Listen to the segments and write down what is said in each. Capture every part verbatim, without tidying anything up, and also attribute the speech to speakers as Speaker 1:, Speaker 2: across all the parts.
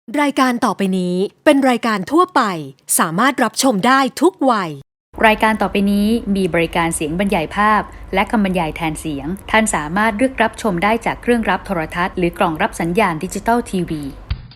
Speaker 1: รายการต่อไปนี้เป็นรายการทั่วไปสามารถรับชมได้ทุกวัย
Speaker 2: รายการต่อไปนี้มีบริการเสียงบรรยายภาพและคำบรรยายแทนเสียงท่านสามารถเลือกรับชมได้จากเครื่องรับโทรทัศน์หรือกล่องรับสัญญาณดิจิตอลทีวี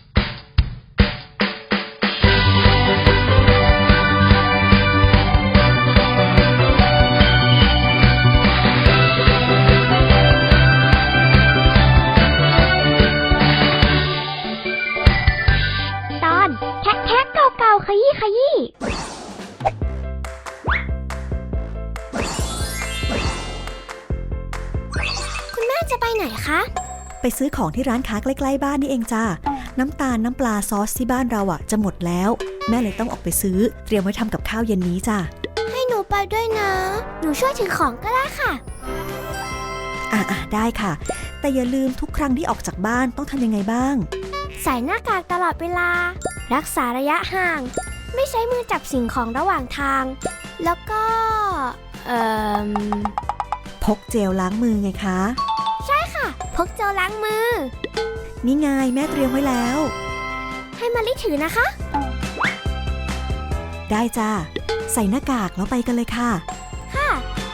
Speaker 3: ขยี้ขยี้คุณแม่จะไปไหนคะ
Speaker 4: ไปซื้อของที่ร้านค้าใกล้ๆบ้านนี่เองจ้าน้ำตาลน้ำปลาซอสที่บ้านเราอ่ะจะหมดแล้วแม่เลยต้องออกไปซื้อเตรียมไว้ทำกับข้าวเย็นนี้จ้า
Speaker 3: ให้หนูไปด้วยนะหนูช่วยถือของก็ได้ค่ะ
Speaker 4: อ่ะๆได้ค่ะแต่อย่าลืมทุกครั้งที่ออกจากบ้านต้องทำยังไงบ้าง
Speaker 3: ใส่หน้ากากตลอดเวลารักษาระยะห่างไม่ใช้มือจับสิ่งของระหว่างทางแล้วก็เอ่อ
Speaker 4: พกเจลล้างมือไงคะ
Speaker 3: ใช่ค่ะพกเจลล้างมือ
Speaker 4: นี่ไงแม่เตรียมไว้แล้ว
Speaker 3: ให้มะลิถือนะคะ
Speaker 4: ได้จ้าใส่หน้ากากแล้วไปกันเลยค่ะ
Speaker 3: ค่ะ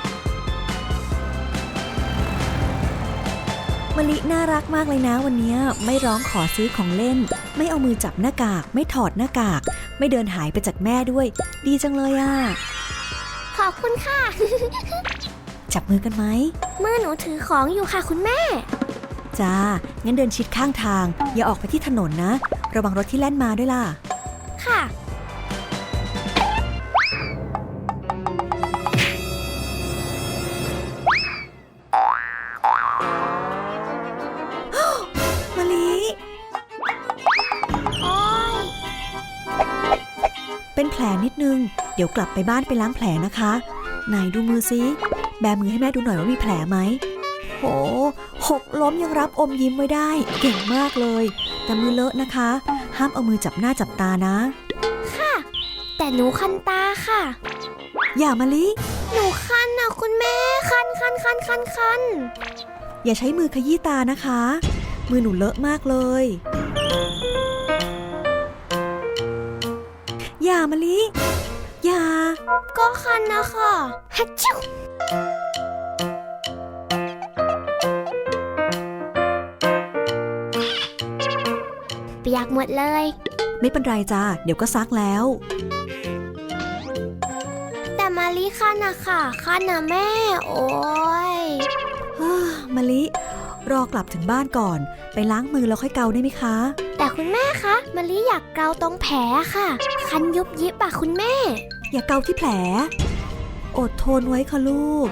Speaker 4: มะลิน่ารักมากเลยนะวันนี้ไม่ร้องขอซื้อของเล่นไม่เอามือจับหน้ากากไม่ถอดหน้ากากไม่เดินหายไปจากแม่ด้วยดีจังเลยอ่ะ
Speaker 3: ขอบคุณค่ะ
Speaker 4: จับมือกันไหม
Speaker 3: มือหนูถือของอยู่ค่ะคุณแม่
Speaker 4: จ้างั้นเดินชิดข้างทางอย่าออกไปที่ถนนนะระวังรถที่แล่นมาด้วยล่ะ
Speaker 3: ค่ะ
Speaker 4: เป็นแผลนิดนึงเดี๋ยวกลับไปบ้านไปล้างแผลนะคะไหนดูมือซิแบมือให้แม่ดูหน่อยว่ามีแผลไหมโหหกล้มยังรับอมยิ้มไว้ได้เก่งมากเลยแต่มือเลอะนะคะห้ามเอามือจับหน้าจับตานะ
Speaker 3: ค่ะแต่หนูคันตาค่ะ
Speaker 4: อย่ามะลิ
Speaker 3: หนูคันนะคุณแม่คันคันคันคันคัน
Speaker 4: อย่าใช้มือขยี้ตานะคะมือหนูเลอะมากเลยอย่ามะลิอย่า
Speaker 3: ก็คันนะค่ะฮัชชิวเปียกหมดเลย
Speaker 4: ไม่เป็นไรจ้าเดี๋ยวก็ซักแล้ว
Speaker 3: แต่มะลิคันนะค่ะคันนะแม่โอ้ย
Speaker 4: มะลิรอกลับถึงบ้านก่อนไปล้างมือแล้วค่อยเกาได้ไหมคะ
Speaker 3: แต่คุณแม่คะมะลิอยากเกาตรงแผลค่ะคันยุบยิบอะคุณแม่
Speaker 4: อย่าเกาที่แผลอดทนไว้ค่ะลูก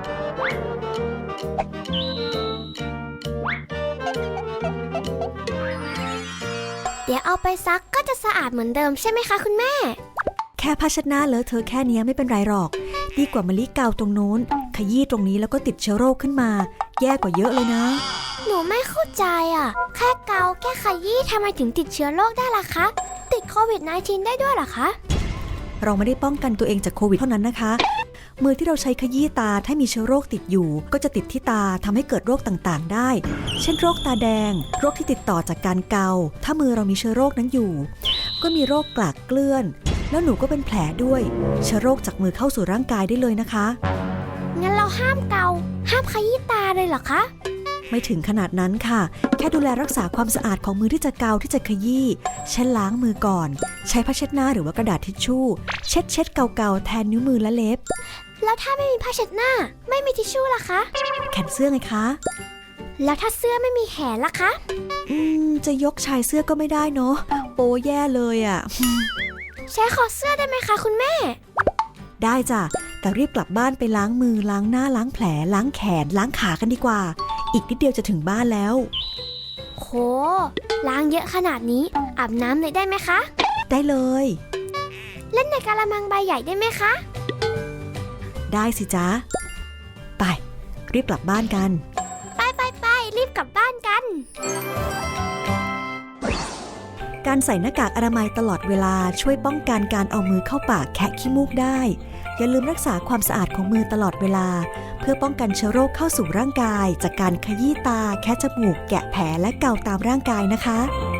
Speaker 3: เดี๋ยวเอาไปซักก็จะสะอาดเหมือนเดิมใช่ไหมคะคุณแม่
Speaker 4: แค่ผ้าเช็ดหน้าเลอะเทอะแค่นี้ไม่เป็นไรหรอกดีกว่ามะลิเกาตรงนู้นขยี้ตรงนี้แล้วก็ติดเชื้อโรคขึ้นมาแย่กว่าเยอะเลยนะ
Speaker 3: หนูไม่เข้าใจอ่ะแค่เกาแค่ขยี้ทำไมถึงติดเชื้อโรคได้ล่ะคะติดโควิด สิบเก้า ได้ด้วยเหรอคะ
Speaker 4: เราไม่ได้ป้องกันตัวเองจากโควิดเท่านั้นนะคะมือที่เราใช้ขยี้ตาถ้ามีเชื้อโรคติดอยู่ก็จะติดที่ตาทำให้เกิดโรคต่างๆได้เช่นโรคตาแดงโรคที่ติดต่อจากการเกาถ้ามือเรามีเชื้อโรคนั้นอยู่ก็มีโรคกลากเกลื่อนแล้วหนูก็เป็นแผลด้วยเชื้อโรคจากมือเข้าสู่ร่างกายได้เลยนะคะ
Speaker 3: งั้นเราห้ามเกาห้ามขยี้ตาเลยเหรอคะ
Speaker 4: ไม่ถึงขนาดนั้นค่ะแค่ดูแลรักษาความสะอาดของมือที่จะเกาที่จะขยี้เช็ดล้างมือก่อนใช้ผ้าเช็ดหน้าหรือว่ากระดาษทิชชู่เช็ดเช็ดเกาๆแทนนิ้วมือและเล็บ
Speaker 3: แล้วถ้าไม่มีผ้าเช็ดหน้าไม่มีทิชชู่ล่ะคะ
Speaker 4: แขนเสื้อไงคะ
Speaker 3: แล้วถ้าเสื้อไม่มีแขนล่ะคะ
Speaker 4: อืมจะยกชายเสื้อก็ไม่ได้เนาะโป๊แย่เลยอ่ะ
Speaker 3: ใช้คอเสื้อได้ไหมคะคุณแม่
Speaker 4: ได้จ้ะแต่รีบกลับบ้านไปล้างมือล้างหน้าล้างแผลล้างแขนล้างขากันดีกว่าอีกนิดเดียวจะถึงบ้านแล้ว
Speaker 3: โหล้างเยอะขนาดนี้อาบน้ำเลยได้ไหมคะ
Speaker 4: ได้เลย
Speaker 3: เล่นในกะละมังใบใหญ่ได้ไหมคะ
Speaker 4: ได้สิจ๊ะไปรีบกลับบ้านกัน
Speaker 3: ไปไปไปรีบกลับบ้านกัน
Speaker 4: การใส่หน้ากากอนามัยตลอดเวลาช่วยป้องกันการเอามือเข้าปากแคะขี้มูกได้อย่าลืมรักษาความสะอาดของมือตลอดเวลาเพื่อป้องกันเชื้อโรคเข้าสู่ร่างกายจากการขยี้ตาแคะจมูกแกะแผลและเกาตามร่างกายนะคะ